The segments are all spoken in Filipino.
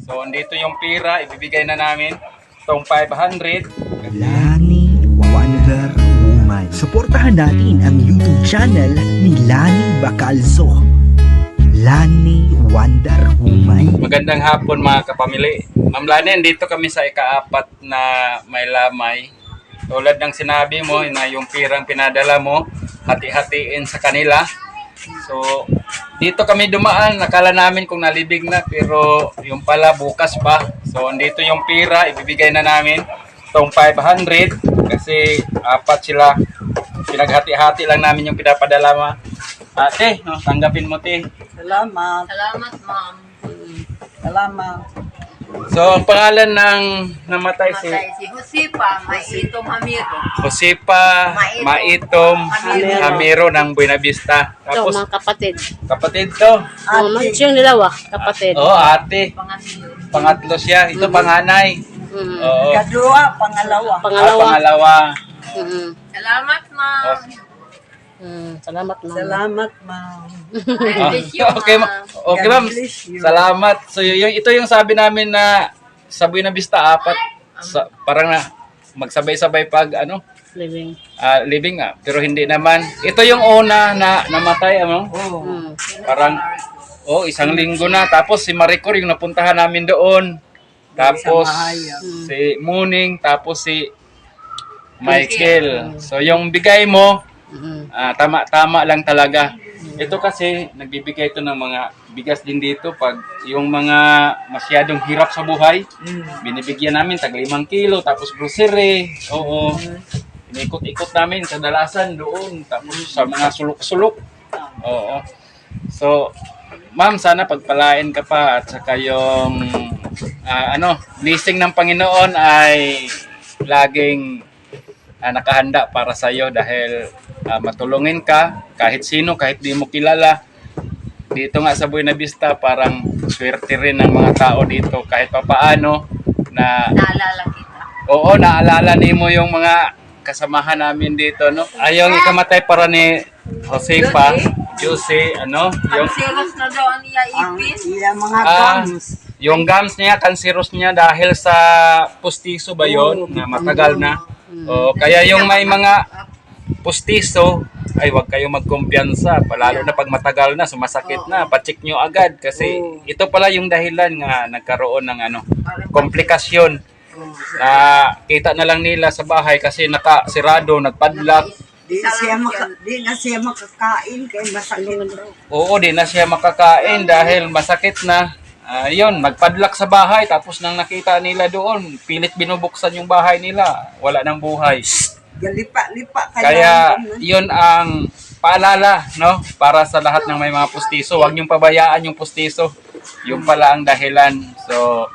So, andito yung pira, ibibigay na namin itong 500. Lani Wonder Woman. Suportahan natin ang YouTube channel ni Lani Bacalzo. Lani Wonder Woman. Magandang hapon mga kapamilya. Ma'am Lani, dito kami sa ika-4 na may lamay. Tulad ng sinabi mo na yung pirang pinadala mo, hati-hatiin sa kanila. So, dito kami dumaan. Nakala namin kung nalibig na, pero yung pala bukas pa. So, andito yung pira, ibibigay na namin itong 500 kasi 4 sila. Pinaghati-hati lang namin yung pinapadala mo. Ate, no, tanggapin mo, te. Salamat. Salamat, ma'am. Salamat. So, ang pangalan ng namatay si Matay si Josepa, Maitom Hamiro. Josepa Maitom Hamiro ng Buenavista. Ito, Tapos, mga kapatid. kapatid to. Yung dalawa, kapatid. Oo, ate. Pangatlo. Pangatlo siya. Ito panganay. Mm. Oo. Kadua, pangalawa. Pangalawa. Pangalawa. Mm. Salamat, ma'am. Salamat, ma'am. Salamat, ma'am. Ah, Bless you, okay, ma'am. okay, ma'am. God bless you. Salamat. So, ito yung sabi namin na sa Buenavista, 4. Parang na magsabay-sabay pag Living. living pero hindi naman. Ito yung una na namatay, Oh. Mm. Parang isang linggo na. Tapos si Maricor yung napuntahan namin doon. Tapos si Muning, tapos si Michael. So yung bigay mo, tama lang talaga. Ito kasi nagbibigay ito ng mga bigas din dito pag yung mga masyadong hirap sa buhay. Binibigyan namin tag 5 kilo, tapos grocery. Oo. Inikot-ikot namin sa dalasan doon, tapos sa mga sulok-sulok. Oo. So, ma'am, sana pagpalain ka pa at saka yung blessing ng Panginoon ay laging nakahanda para sa iyo dahil matulungin ka kahit sino, kahit di mo kilala. Dito nga sa Buenavista, parang swerte rin ng mga tao dito kahit papaano na Naalala kita. oo, naalala nimo yung mga kasamahan namin dito, no? Ayong ikamatay para ni Josepa, Jose, yung Kanseros na daw ang iya Ang ipin. iya mga Ah. gums. yung gums niya, cancerous niya dahil sa pustiso ba yon na matagal na. Kaya yung may mga pustiso, ay wag kayo magkumpiyansa, lalo na pag matagal na, sumasakit na, pa-check nyo agad kasi ito pala yung dahilan nga nagkaroon ng komplikasyon. Na kita na lang nila sa bahay kasi nakasirado, nagpadlock. Di na siya makakain kay masakit daw. Oo, di na siya makakain dahil masakit na. Yun, nagpadlock sa bahay tapos nang nakita nila doon, pilit binubuksan yung bahay nila, wala nang buhay. Galipa-lipa Kaya yun ang paalala, no? Para sa lahat ng may mga pustiso, huwag niyong pabayaan yung pustiso. Yung pala ang dahilan. So,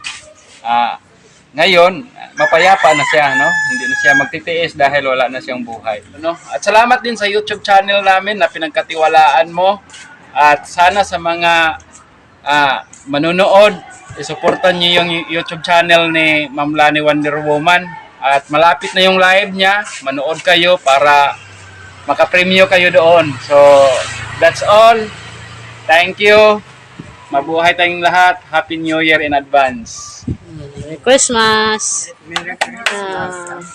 ngayon, mapayapa na siya, no? Hindi na siya magtitiis dahil wala na siyang buhay. No? At salamat din sa YouTube channel namin na pinagkatiwalaan mo. At sana sa mga manunood, isuportan niyo yung YouTube channel ni Ma'am Lani Wonder Woman. At malapit na yung live niya, manood kayo para makapremyo kayo doon. So, that's all. Thank you. Mabuhay tayong lahat. Happy New Year in advance. Merry Christmas. Merry Christmas.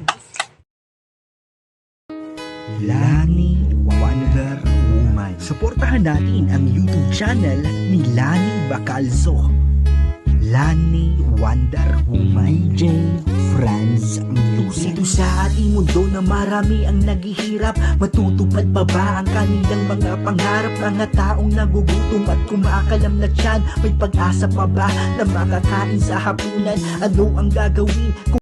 Lani Wonder Woman. Suportahan natin ang YouTube channel ni Lani Bacalzo. Lani Wonder Woman. DJ Franz Music. Dito sa ating mundo na marami ang naghihirap, matutupad pa ba ang kanilang mga pangarap? Mga taong nagugutom at kumakalam na tiyan, may pag-asa pa ba na makakain sa hapunan? Ano ang gagawin?